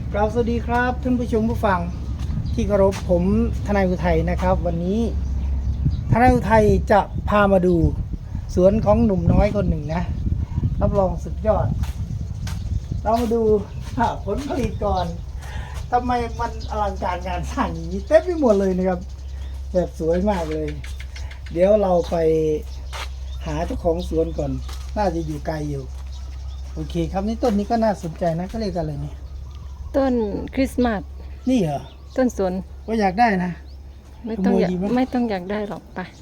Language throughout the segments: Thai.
กราบสวัสดีครับท่านผู้ชมผู้ฟังที่เคารพผมทนายอุทัยนะครับวันนี้ทนายอุทัยจะพามาดูสวนของหนุ่มน้อยคนหนึ่งนะรับรองสุดยอดเรามาดูผลผลิตก่อนทำไมมันอลังการงานสร้างอย่างนี้เต็มไปหมดเลยนะครับแบบสวยมากเลยเดี๋ยวเราไปหาเจ้าของสวนก่อนน่าจะอยู่ไกลอยู่โอเคครับนี่ต้นนี้ก็น่าสนใจนะก็เรียกอะไรเนี่ยต้นคริสต์มาสนี่เหรอต้นสนก็อยากได้นะไม่ต้องอยากได้หรอกไป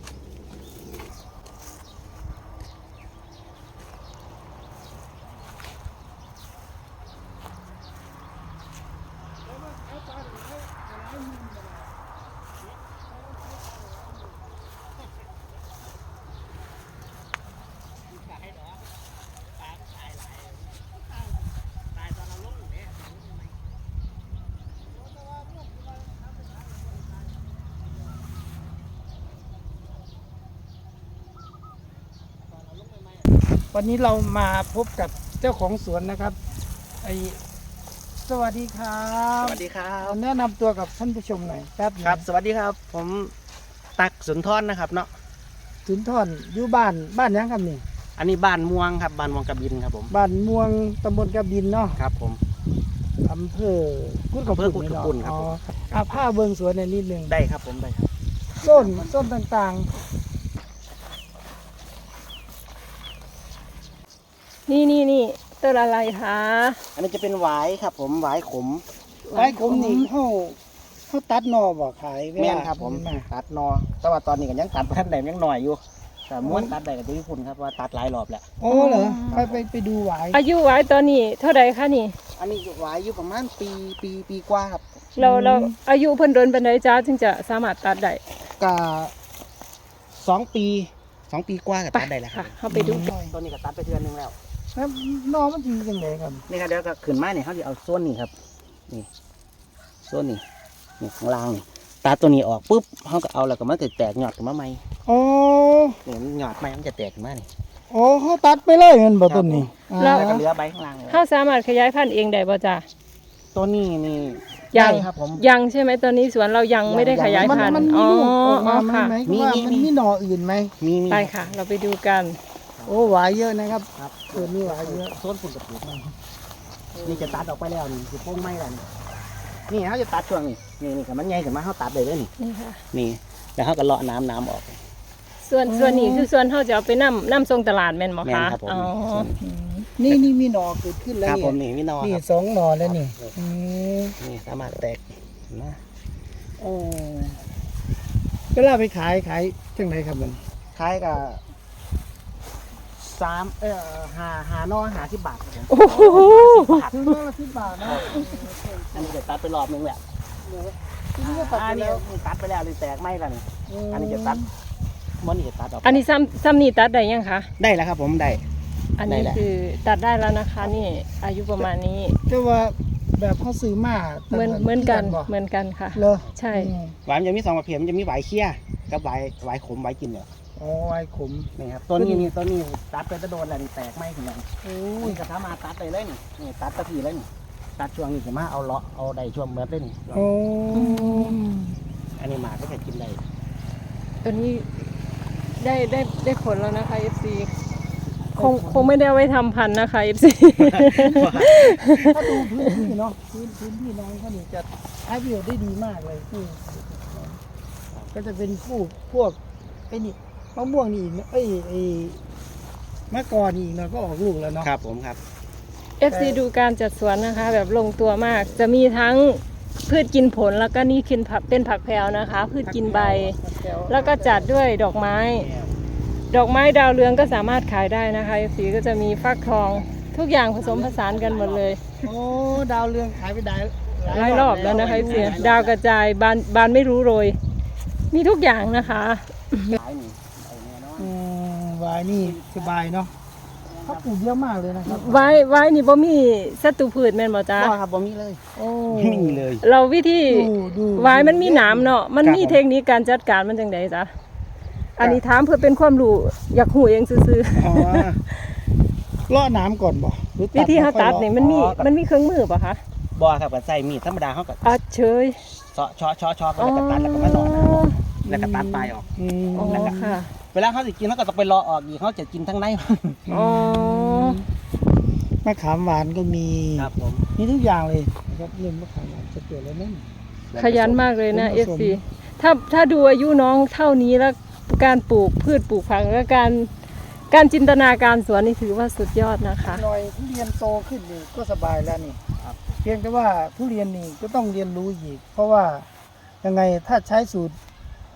วันนี้เรามาพบกับเจ้าของสวนนะครับสวัสดีครับสวัสดีครับแนะนำตัวกับท่านผู้ชมหน่อยแป๊บนึงครับสวัสดีครับผมตักสุนทรนะครับเนาะสุนทรอยู่บ้านยังครับนี่อันนี้บ้านม่วงครับบ้านม่วงกระบินครับผมบ้านม่วงตำบลกระบินเนาะครับผมอำเภอกุดกระอำเภอกุดกระปุ่นครับอ๋อผมผ้าเบิงสวนในนิดนึงได้ครับผมได้ครับส้นต่างนี่ต้นอะไรคะอันนี้จะเป็นหวายครับผมหวายขมๆไว้ผมนี่เขาตัดนอบ่ขายเวลาแม่นครับผมมาตัดนอแต่ว่าตอนนี้ก็ยังตัดท่านใดยังหน่อยอยู่แต่ม้วนตัดได้กับที่คุณครับว่าตัดหลายรอบแล้วโอ้เหรอไปดูหวายอายุไว้ตอนนี้เท่าไหร่คะนี่อันนี้หวายอยู่ประมาณปีกว่าครับเราอายุเพิ่นโดนปานใดจ้าถึงจะสามารถตัดได้ก็2 ปีกว่าก็ตัดได้แล้วครัค่ะบเข้าไปดูต้นนี้ก็ตัดไปเดือนนึงแล้วแล้วนอมันจริงจังเลยครับนี่ครับเดี๋ยวก็ขึ้นมาเนี่ยเขาจะเอาโซนนี้ครับนี่โซนนี้นี่ข้างล่างนี่ตัดตัวนี้ออกปุ๊บเขาก็เอาแล้วก็มันจะแตกหยอดขึ้นมาใหม่อ๋อเนี่ยหยอดใหม่มันจะแตกขึ้นมานี่อ๋อเขาตัดไปเลยเงินบ่ต้นนี้แล้วก็เหลือใบข้างล่างเลยเฮาสามารถขยายพันธุ์เองได้บ่จ้าตัวนี้นี่ยังได้ครับผมยังใช่ไหมตอนนี้สวนเรายังไม่ได้ขยายพันธุ์มันมีลูกออกมาไหมค่ะไหมว่ามันมีหน่ออื่นไหมมีไปค่ะ เราไปดูกันโอ้หวายเยอะนะครับครับเกิดมีหวายเยอะโซนฝุ่นกับปุ๋ยนี่จะตัดออกไปแล้วนี่คือโป้งไม้แล้วนี่เขาจะตัดช่วงนี้นี่กับมันใหญ่ขึ้นมาเขาตัดเลยเด้อนี่นี่ค่ะนี่แล้วเขาก็เลาะน้ำออกส่วนนี้คือส่วนเฮาจะเอาไปนํส่งตลาดแม่นบ่แม่นคะครับผมอ๋อนี่มีหน่อเกิดขึ้นแล้วครับเนี่ผยมนี่พี่นอนี่ครับ 2 หน่อแล้วนี่มนี่สามารถแตกนะโอ้ก็ล่าไปขายจังไหนครับมันคล้ายกับหานอ50 บาทครับผมโอ้โหคือหน่อละ10 บาทนะอันนี้จะตัดไปรอบนึงแหละทีนี้ก็ตัดอัไปนนี้แล้วตัดไปแล้วเลยแตกไหมล่ะนี่อันนี้จะตัดมันนี่จะตัดออกอันนี้ซ้ำนี่ตัดได้ยังคะได้แล้วครับผมได้อันนี้ได้แหละคือตัดได้แล้วนะคะนี่อายุประมาณนี้แต่ว่าแบบเขาซื้อมาเหมือนกันบ่เหมือนกันค่ะเหรอใช่หวายมันจะมี2 ประเภทมันจะมีหวายเคี้ยกับหวายขมหวายกินเนี่ยอ๋อไว้ขมนี่ครับตัวนี้ตัดไปจะโดนแล้วนี่แตกไหมถึงนั้นโอ้นี่ก็สามารถตัดได้เลยนี่ตัดตะพีเลยนี่ตัดช่วงนี้จะมาเอาเลาะเอาได้ช่วงเมื่อเลยนี่โอ้อันนี้หมาก็จะกินได้ตัวนี้ได้ผลแล้วนะคะ FC คงไม่ได้เอาไว้ทำพันธุ์นะคะ FC ถ้าดูพื้นที่เนาะพื้นที่น้องเขานี่จะใช้ประโยชน์ได้ดีมากเลยที่ก็จะเป็นพวกไอ้นี่มะม่วงนี่อีกนะไอ้มะกอกนี่อีกเนาะก็ออกลูกแล้วเนาะครับผมครับ FC ดูการจัดสวนนะคะ แบบลงตัวมาก จะมีทั้งพืชกินผลแล้วก็นี่เป็นผักแพรวนะคะ พืชกินใบ แล้วก็จัดด้วยดอกไม้ ดอกไม้ดาวเรืองก็สามารถขายได้นะคะ FC ก็จะมีฟักทองทุกอย่างผสมผสานกันหมดเลยโอ้ดาวเรืองขายไปได้หลายรอบแล้วนะคะ FC ดาวกระจายบานไม่รู้โรย มีทุกอย่างนะคะหลายนี่ไอ้แน่นอนวายนี่สบายเนาะเขาปลูกเยอะมากเลยนะครับไว้นี่บ่มีศัตรูพืชแม่นบ่จ้าก็ครับผมมีเลยโอ้ไม่มีเลยเราวิธีดูไว้มันมีหนามเนาะมันมีครับผมเทคนิคการจัดการมันจังไดจ๊ะอันนี้ถามเพื่อเป็นความรู้อยากหูเองซื่ออ๋อเลาะน้ำก่อนบ่หรือๆวิธีเขาตัดนี่มันมีอ๋อมันมีเครื่องมือป่ะคะบ่ครับก็ใส่มีดธรรมดาเขาก็อัดเฉยเซาะชอแล้วก็ตัดแล้วก็มาหล่อหน้าหม้อแล้วก็ตัดปลายออกอืมอ๋อค่ะเวลาเขาจะกินเขาก็ต้องไปรอออกอีกเขาจะกินทั้งในอ๋อมะขามหวานก็มีครับผมมีทุกอย่างเลยนะครับเรื่องมะขามหวานจะเกิดแล้วนั่นขยันมากเลยนะผมผสม FC ถ้าดูอายุน้องเท่านี้แล้วการปลูกพืชปลูกผักและการจินตนาการสวนนี่ถือว่าสุดยอดนะคะหน่อยทุเรียนโตขึ้นนี่ก็สบายแล้วนี่ครับเพียงแต่ว่าทุเรียนนี่ก็ต้องเรียนรู้อีก เพราะว่ายังไงถ้าใช้สูตร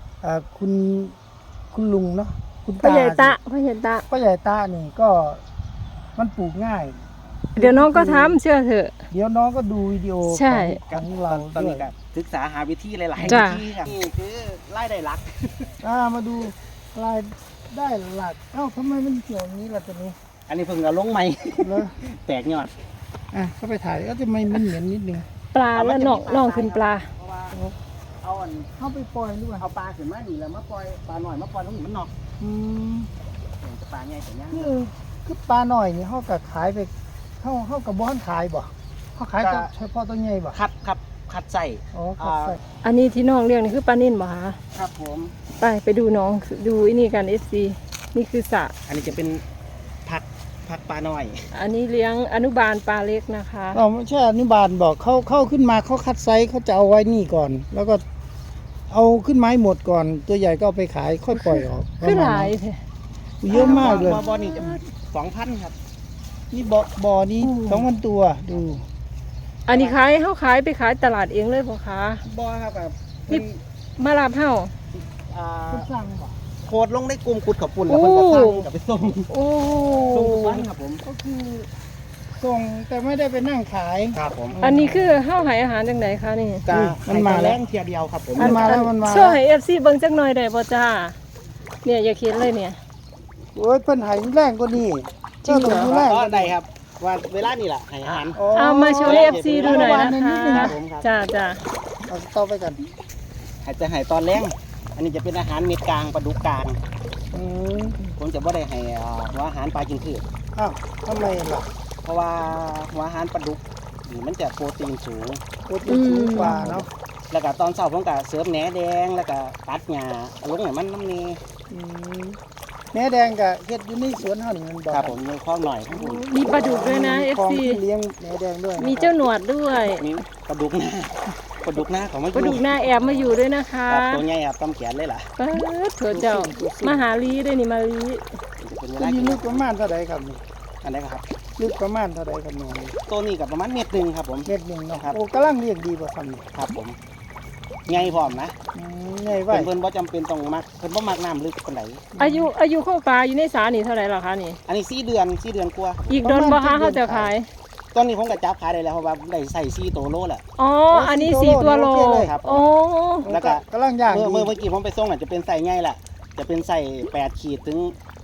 คุณลุงเนาะคุณพ่อตาใหญ่ตะพ่อใหญ่ตะพ่อใหญ่ตานี่ก็มันปลูกง่ายเดี๋ยวน้องก็ทำเชื่อเถอะเดี๋ยวน้องก็ดูวิดีโอใช่ของเราตอนด้วนี้ยก็ศึกษาหาวิธีหลายๆจ้ะวิธีครับนี่คือไล่ได้หลักมาดูรายได้หลักเอ้าทำไมมันเกี่ยวอย่างนี้ล่ะตัวนี้อันนี้เพิ่งเอาลงใหม่เลยแตกยอดเข้าไปถ่ายก็จะไม่มันเหม็นนิดนึงปลาแล้วน้องขึ้นปลาเพราะว่าเอาอันเข้าไปปล่อยด้วยเอาปลาขึ้นมานี่แล้วมาปล่อยปลาหน่อยมาปล่อยตรงนี้มันนอกอืมปลาใหญ่แต่ยังคือปลาหน่อยนี่เขากับขายไปเขากับบ้อนขายบ่เขาขายแต่เฉพาะตัวใหญ่บ่คัดใส่อ๋อครับใส่อันนี้ที่น้องเลี้ยงนี่คือปลานิ่นบ่คะครับผมไปดูน้องดูไอ้นี่กัน FC นี่คือสระอันนี้จะเป็นผักปลาหน่อยอันนี้เลี้ยงอนุบาลปลาเล็กนะคะอ๋อไม่ใช่อนุบาลบอกเข้าขึ้นมาเขาคัดไซส์เขาจะเอาไว้นี่ก่อน แล้วก็เอาขึ้นไม้หมดก่อน ตัวใหญ่ก็เอาไปขายค่อยปล่อยออกคือหลายแท้เยอะมากเลยบ่อนี่จะ2,000ครับนี่บ่อนี้2,000ตัวดูอันนี้เขาขายไปขายตลาดเองเลยบ่คะบ่อครับแบบนี่มารับเฮาอ่าคุณสั่งบ่โคดลงในกลุ่มขุดขับปุ่นแล้วเพิ่นก็สั่งกับไปส่งโอ้ส่งทุกวันครับผมก็คือส่งแต่ไม่ได้ไปนั่งขายครับผมอันนี้คือเฮาให้อาหารจังไดคะนี่กามันมาแล้วแรงเทียเดียวครับผมมันมาแล้วมันมาโชว์ให้ FC เบิ่งจักหน่อยได้บ่จ้าเนี่ยอย่าเขียนเลยเนี่ยโอ้ยเพิ่นใหายแรงกว่านี้จริงเหรอจ้าต้องดูแรงก็กว่าได้นี้ครับว่าเวลานี่แหละให้อาหารเอามาโชว์ให้ FC ดูหน่อยนะนิดนึงคะนะจ้าเอาต่อไปกันให้จะให้ตอนแรงอันนี้จะเป็นอาหารเม็ดกลางปลาดุกกลางอืมผมจะไม่ได้ให้หัวอาหารปลากินพืชอ้าวทำไมล่ะเพราะว่าหัวอาหารปลาดุกนี่มันจะโปรตีนสูงโปรตีนสูงกว่าเนาะแล้วก็ตอนเช้าผมก็เสริมแหนแดงแล้วก็ตัดหญ้าลงให้มันน้ำนี่อืมแหนแดงกับเฮ็ดอยู่ในสวนเฮานี่มันบ่ครับผมมีข้อหน่อยข้างบนมีปลาดุกด้วยนะของ FC ที่เลี้ยงแหนแดงด้วยมีเจ้าหนวดด้วยนี่ปลาดุกหน้าปลาดุกหน้าของมันปลาดุกหน้าแอบมาอยู่ด้วยนะคะครับตัวใหญ่ครับตำแขนเลยล่ะเปิดเถอะเจ้ามาหาลีด้วยนี่มาลีจะเป็นเวตัวลานี้กินลึกประมาณเท่าใดครับนี่อันไหนครับลึกประมาณเท่าใดครับน้องตัวนี้กับประมาณเม็ดหนึ่งครับผมเม็ดหนึงเนาะครับโอ้กำลังเลี้ยงดีบ่ครับนี่ครับผมใหญ่พร้อมนะใหญ่ไว้เพิ่นบ่จำเป็นต้องมักเพิ่นบ่มักน้ำลึกปานใดอายุของปลาอยู่ในสานี่เท่าไหร่ล่ะคะนี่อันนี้4 เดือนกว่าอีกโดนบ่คะเขาจะขายตอนนี้ผมก็จับขายได้แล้วเพราะว่าได้ใส่4ตัวโลแล้วอ๋อ อันนี้4ตัวโลครับโอ้แล้วก็กำลังย่างเมื่ดีอเมื่อกี้ผมไปส่งน่ะจะเป็นใส่ใหญ่ละจะเป็นใส่8ขีดถึง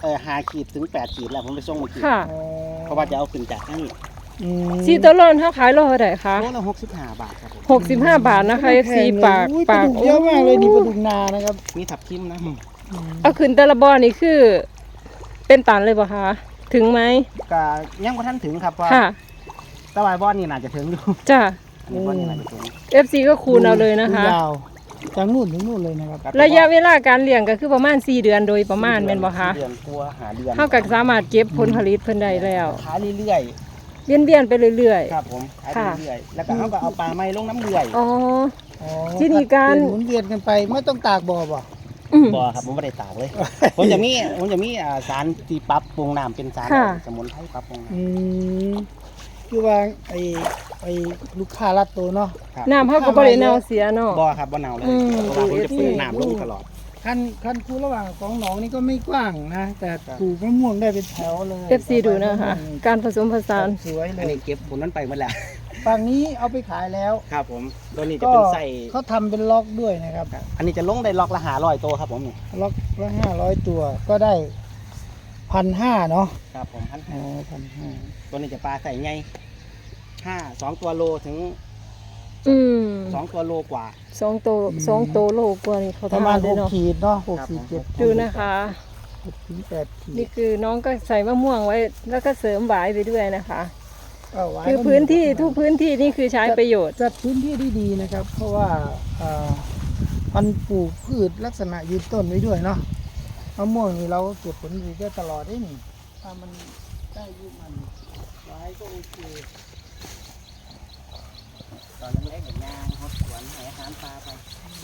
5ขีดถึง8ขีดแล้วผมไปส่งเมื่อกี้ค่ะอ๋อเพราะว่าจะเอาขึ้นจากนี่อืม 4ตัวโลเขาขายโลเท่าไหร่คะโลละ65 บาทครับผม 65 บาทนะคะ FC ปากอุ้ยปลาดุกเยอะมากเลยนี่ปลาดุกนานะครับมีทับทิมนะเอาขึ้นแต่ละบ่อนี่คือ เป็นตันเลยบ่คะ ถึงไหมก็ยังบ่ทันถึงครับเพราะค่ะตะวายบอนนี่น่าจะถึงอยู่จ้ะอันนี้บอนนี่น่าจะถึง FC ก็คูณเอาเลยนะคะยาวจากนู่นถึงนู่นเลยนะครับครับระยะเวลาการเลี้ยงก็คือประมาณ4เดือนโดยประมาณแม่นบ่คะ 4 เดือนกลัวหาเดือนเฮาก็สามารถเก็บผลผลิตเพิ่นได้แล้วขายเรื่อยเวียนไปเรื่อยๆครับผมขายค่ะเรื่อยๆแล้วก็เขาก็เอาปลาไม้ลงน้ำเรื่อยๆ อ๋ออ๋อที่นี่การหมุนเวียนกันไปไม่ต้องตากบ่อบ่อืมบ่ครับผมไม่ได้ตากเลย ผมจะมีสารที่ปรับปรุงน้ำเป็นสารค่ะสมุนไพรปรับปรุงน้อืมคือว่าไอ้ลูกค้ารัดตัวเนาะำครับน้ำเฮาก็บ่ได้เน่าเสียเนาะบ่ครับบ่เน่าเลยอืมเพราะว่าผมจะเปิดน้ำลงตลอดคันคูระหว่างของหนองนี่ก็ไม่กว้างนะ แต่ปลูกมะม่วงได้เป็นแถวเลย FC ดูนะคะ การผสมผสานสวยเลอันยนี้เก็บผลนั้นไปหมดแล้วฝั่งนี้เอาไปขายแล้วครับผมตัวนี้จะก็เป็นไส้เขาทำเป็นล็อกด้วยนะครับอันนี้จะลงได้ล็อกละ500ตัวครับผมนี่ล็อกละ500 ตัวก็ได้1,500เนาะครับผมพันอ๋อ1,500 ตัวนี้จะปลาใส่ใหญ่2 ตัวโลถึงอืม 2 ตัวโลกว่า 2 โตโลกว่านี่เขาประมาณทำได้เนาะ 6ขีดเนาะครับ 6ขีดผม 7ขีดดูนะคะ 6ถึง8ขีดนี่คือน้องก็ใส่มะม่วงไว้ แล้วก็เสริมหวายไปด้วยนะคะหวายคือก็มีพื้นที่ทุกพื้นที่นี่คือใช้ประโยชน์จัดพื้นที่ได้ดีนะครับ เพราะว่ามันปลูกพืชลักษณะยืนต้นไว้ด้วยเนาะมะม่วงนี่เราเก็บผลผลิตได้ตลอดได้นี่ถ้ามันได้อายุมันหวายก็โอเคตอนเล็กๆอย่างยางเขาสวนให้อาหารปลาไป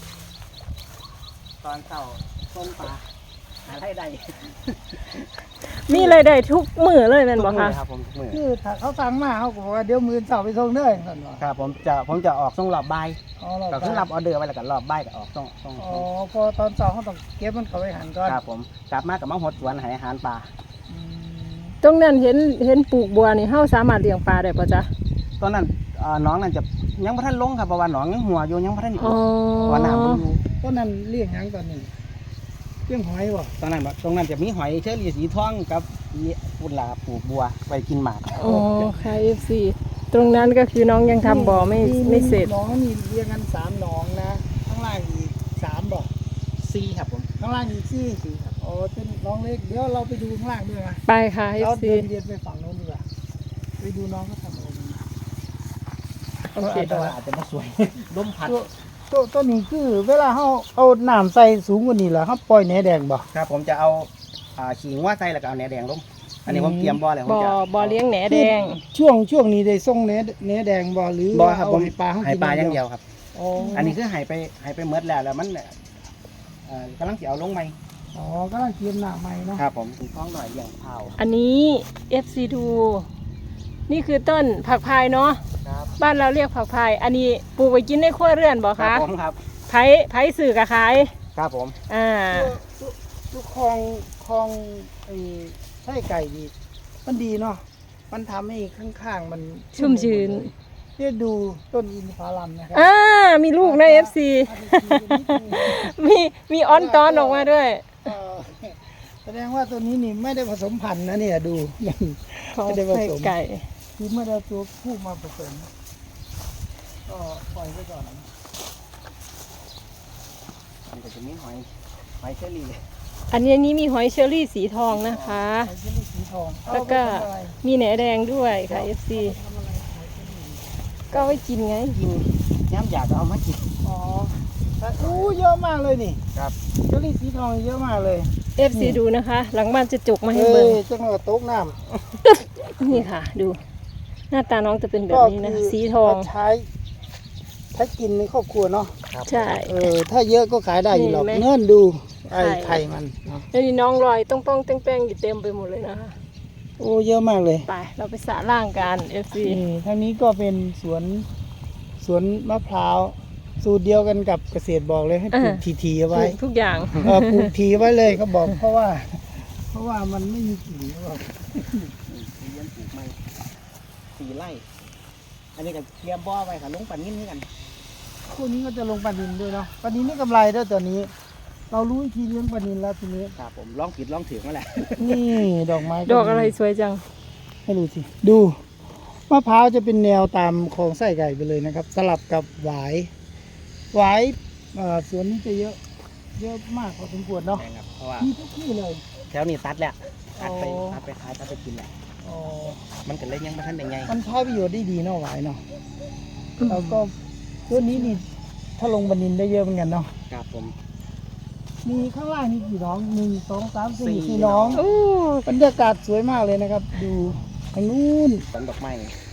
ตอนเช้าต้มปลาหาไรายได้มีรายได้ทุกมื้อเลยแม่นบ่คะครับผมทุกมื้อคือถ้าเขาสั่งมาเขาก็บอกว่าเดี๋ยวมือเสาร์ไปส่งเด้อนั่นว่าครับผมจะออกส่งรอบบ่ายอ๋อเราก็คือรับออเดอร์ไว้แล้วก็รอบบ่ายก็ออกส่งอ๋อพอตอนเสาร์เขาต้องเก็บมันเข้าไปหันก่อนครับผมกลับมากับมาหดสวนให้อาหารปลาอืมตรงนั้นเห็นปลูกบัวนี่เฮาสามารถเลี้ยงปลาได้ป่ะจ๊ะตอนนั้นน้องนั่นจะยังบ่ทันลงครับเพราะว่าน้องยังหัวอยู่ยังบ่ทันอ๋อเพราะว่าน้ำมันอยู่ต้นนั้นเลี้ยงหยังตอนนี้เลี้ยงหอยบ่ตอนนั้นจะมีหอยเชอรี่สีทองกับปุ่นลาปลูกบัวไปกินหมากอ๋อค่ะ FC ตรงนั้นก็คือน้องยังทำบ่อไม่เสร็จน้องนี่เลี้ยงกัน3หนองนะข้างล่างอีก3บ่ซีครับผมข้างล่างอีก4ครับอ๋อเป็นน้องเล็กเดี๋ยวเราไปดูข้างล่างด้วยนะไปค่ะเรา FC เดินไปฝั่งโน้นดีกว่าไปดูน้องเขาทำอะไรกันโอเคแต่ว่าอาจจะมาสวย ลมพัดตัวนี้คือเวลาเขาเอาน้ำใส่สูงกว่านี้แล้วเขาปล่อยแหนแดงบ่ครับผมจะเอาขิงว่าใส่แล้วก็เอาแหนแดงลงอันนี้ผมเตรียมบ่อแล้วผมบ่อจะบ่อเลี้ยงแหนแดงช่วงนี้ได้ส่งแหนแดงบ่หรือบ่อว่าครับเอาผมให้ปลาเขาให้กินปลาอย่างเดียวครับอ๋ออัอันนี้คือให้ไปเมดแล้วมันกำลังจะเอาลงไหมอ๋อกำลังเตรียมหน้าใหม่เนาะครับผมถึงท้องหน่อยอย่างเผาอันนี้ FC ดูนี่คือต้นผักพายเนาะครับบ้านเราเรียกผักพาย อันนี้ปลูกไว้กินในครัวเรือนบ่ครัคะบผมครับไผสื่อกะขายครับผมอ่าทุกคลองไอ้ไส้ไก่ดีมันดีเนาะมันทำให้ข้างๆมันชุ่มชื้นเนี่ยดูต้นอินทผลัมนะครัมีลูกใน FC มีออนตอนออกมาด้วยเอ่อแสดงว่าตัวนี้นี่ไม่ได้ผสมพันธุ์นะเนี่ยดูยังของไม่ได้ผไข่สมไก่คือไม่ได้เอาตัวผู้มาผสมก็ปล่อยไว้ก่อนมันก็จะมีหอยเชอรี่อันนี้มีหอยเชอรี่สีทองนะคะไอ้เชอรี่สีทองแล้วก็เอาไปทำอะไรมีแหนแดงด้วยค่ะ FC ทำอะไรไอ้เชอรี่ก็เอาไว้กินไงกินย้ำอยากก็เอามากินอ๋อแต่อู้เยอะมากเลยนี่ครับเชอรี่สีทองเยอะมากเลย FC ดูนะคะ หลังบ้านจะจุกมาให้เอ้เบิ่งยจังหวะโต๊ะน้นี่ค่ะ ดู หน้าตาน้องจะเป็นำแบบนี้นะ สีทองถ้ากินในครอบครัวเนาะใช่ถ้าเยอะก็ขายได้อยู่หรอกนี่เห็นไหมเนื่นดูไอ้ไข่ไข่มันเนาะแล้วนี่น้องลอยต้องป้องแป้งๆอยู่เต็มไปหมดเลยนะคะโอ้เยอะมากเลยไป เราไปสระล่างกัน FC นี่ทางนี้ก็เป็นสวนมะพร้าวสูตรเดียวกันกับเกษตรบอกเลยให้ปลูกทีๆเอาปไว้ลูกทุกอย่างปลูกทีไว้เลยเขาบอกเพราะว่ามันไม่มีกิ่งเขาบอกเลี้ยงปลูกไม้4 ไร่ อันนี้ก็เตรียมบ่อไว้ค่ะลงปันนิ่มให้กันคู่นี้ก็จะลงปลานินด้วยเนาะปลานินนี่กำไรด้วยตัวนี้ เรารู้วิธีเลี้ยงปลานินแล้วทีนี้ครับผมลองผิดลองถือมาแหละนี่ดอกไม้ดอกอะไรสวยจังให้ดูสิดูมะพร้าวจะเป็นแนวตามโครงไส้ไก่ไปเลยนะครับ สลับกับหวายสวนนี้จะเยอะมากพอสมควรเนาะใช่ครับเพราะว่ามีทุกที่เลยแถวนี้ตัดแล้วตัดไปอ๋อตัดไปขายตัดไปกินแหละอ๋อมันก็เลยยังไม่ทันได้ไงมันใช้ประโยชน์ได้ดีเนาะหวายเนาะแล้วก็ตัวนี้นี่ถ้าลงปลานินได้เยอะเหมือนกันเนาะครับผมมีข้างล่างนี่กี่น้อง1 2 3 สี่ 4 4น้องโอ้บรรยากาศสวยมากเลยนะครับ ดูทางนู้นต้นดอกไม้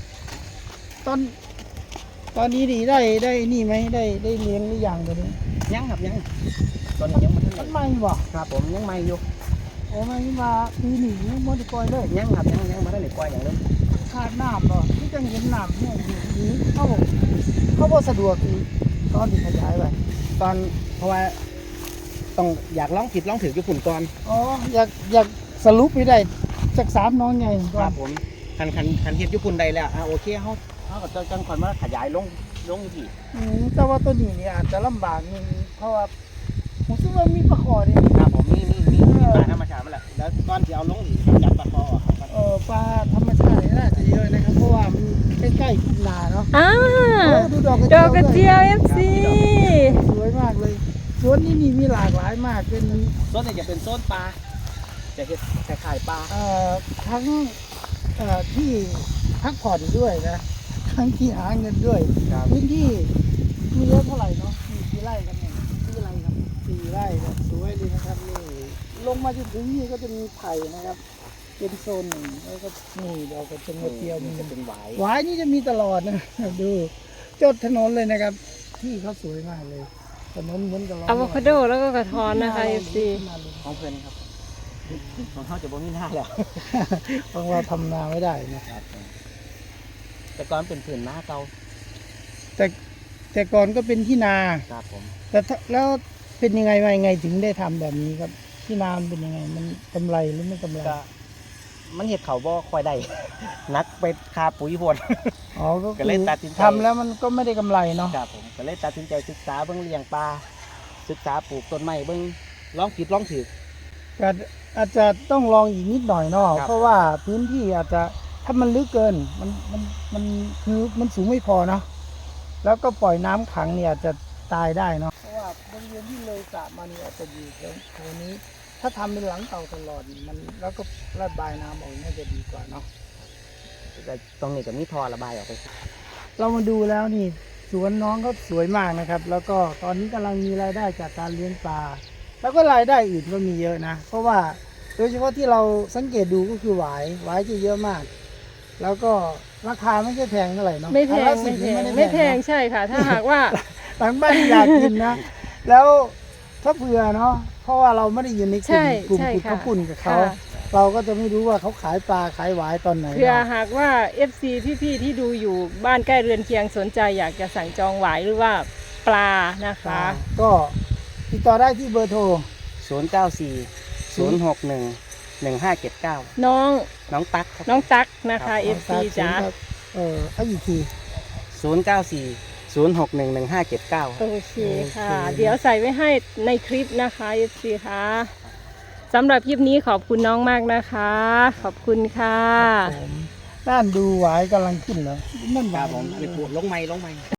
ตอนนี้ดีได้นี่ไหมได้เลี้ยงหรือยังตัวนี้ยังครับยังตอนนี้ยังไม่ทันมัได้นไม่บ่ครับผมยังไม่อยู่โอ้ไม่มาปีหนีมันจะกอยเลยยังครับยังไม่ได้กล้วยอย่างเดิมขาดน้ำเนาะที่จังเห็นน้ำเนี่ยอยู่นี้เข้าบ่สะดวกอีกตอนที่ขยายไปตอนเพราะว่าต้องอยากลองผิดลองถืออยู่ฝุ่นก่อนอ๋ออยากสรุปไม่ได้จาก3น้องไงก่คอรันบผมคันเฮ็ดอยู่ฝุ่นใดแล้วโอเคเขาก็จะจังก่อนมาขยายลงอยู่ที่แต่ว่าตัวนี้เนี่ยอาจจะลำบากนิดนึงเพราะว่าผมคิดว่ามีปลาคอเนี่ยครับผมมีปลาธรรมชาติมาแล้วแล้วตอนที่เอาลงนี่จับปลาคอออกครับปลาธรรมชาติเนี่ยน่าจะเยอะนะครับ เพราะว่ามันใกล้ๆทุ่งนาเนาะ ดูดอกดอกกระเจียว FC สวยมากเลยสวนนี้มีหลากหลายมากเป็นโซนนี้จะเป็นโซนปลาจะเฮ็ดคล้ายๆปลาทั้งที่พักผ่อนด้วยนะทั้งที่หาเงินด้วยครับพื้นที่มีเยอะเท่าไหร่เนาะมีกี่ไร่กันเนี่ย4 ไร่ครับ4 ไร่ครับสวยเลยนะครับนี่ลงมาจนถึงนี่ก็จะมีไผ่นะครับ เป็นโซนหนึ่งแล้วก็นี่เราก็จะมาเที่ยวมีจะเป็นหวายหวายนี่จะมีตลอดนะ ดูจดถนนเลยนะครับ ที่เขาสวยมากเลยถนนเหมือนกับเราอะโวคาโดแล้วก็กระท้อนนะคะ FC ของเพื่อนครับของเขาจะบ่มีหน้าแล้วเพราะว่าทำนาไม่ได้นะครับแต่ก่อนเป็นผืนหน้าเก่าแต่ก่อนก็เป็นที่นาครับผมแต่ถ้าแล้วเป็นยังไงมายังไงถึงได้ทำแบบนี้ครับ ที่นามันเป็นยังไงมันกำไรหรือไม่กำไรก็มันเห็ดเขาบ่ค่อยได้ นักไปคาปุ๋ยพวนอ๋อก็ก็คืเลยอตัดสินใจทำแล้วมันก็ไม่ได้กำไรเนาะครับผมก็เลยตัดสินใจศึกษาเบิ่งเลี้ยงปลาศึกษาปลูกต้นไม้เบิ่งลองผิดลองถูกก็อาจจะต้องลองอีกนิดหน่อยเนาะครับเพราะว่าพื้นที่อาจจะถ้ามันลึกเกินมันคือมันสูงไม่พอเนาะแล้วก็ปล่อยน้ำขังเนี่ยอาจจะตายได้เนาะเพราะว่าบริเวณที่เลยสระมาเนี่ยอาจจะอยู่แถวนี้ ถ้าทำเป็นหลังเต่าตลอดมันแล้วก็ระบายน้ำออกน่าจะดีกว่าเนาะแต่ตรงนี้ก็มีท่อระบายออกไปเรามาดูแล้วนี่สวนน้องเขาสวยมากนะครับ แล้วก็ตอนนี้กำลังมีรายได้จากการเลี้ยงปลาแล้วก็รายได้อื่นก็มีเยอะนะ เพราะว่าโดยเฉพาะที่เราสังเกตดูก็คือหวายจะเยอะมาก แล้วก็ราคาไม่ใช่แพงเท่าไหร่เนาะไม่แพอันงละไม่ 10 แพนี่งด้ไม่แพงเนอะใช่ค่ะ ถ้าหากว่าหลังบ้านอยากกินนะ แล้วถ้าเผื่อเนาะเพราะว่าเราไม่ได้อยู่ในกลุ่ใช่มกลุ่มใช่ขุดค่ะข้าวปุ้นกับเขาค่ะเราก็จะไม่รู้ว่าเขาขายปลาขายหวายตอนไหนเพื่อเนาะหากว่า FC พี่ๆที่ดูอยู่บ้านใกล้เรือนเคียงสนใจอยากจะสั่งจองหวายหรือว่าปลานะคะก็ติดต่อได้ที่เบอร์โทร 094 061 1579 น้องน้องตั๊กครับน้องตั๊กนะคะครับ FC จ๋าเอาอีกที 094 061 1579 โอเคค่ะโอเคเดี๋ยวใส่ไว้ให้ในคลิปนะคะ FC ค่ะสำหรับคลิปนี้ขอบคุณน้องมากนะคะ ขอบคุณค่ะผมด้านดูหวายกำลังขึ้นแล้วนั่นหครัวาบยผมอันนี้ปลูกลงไม้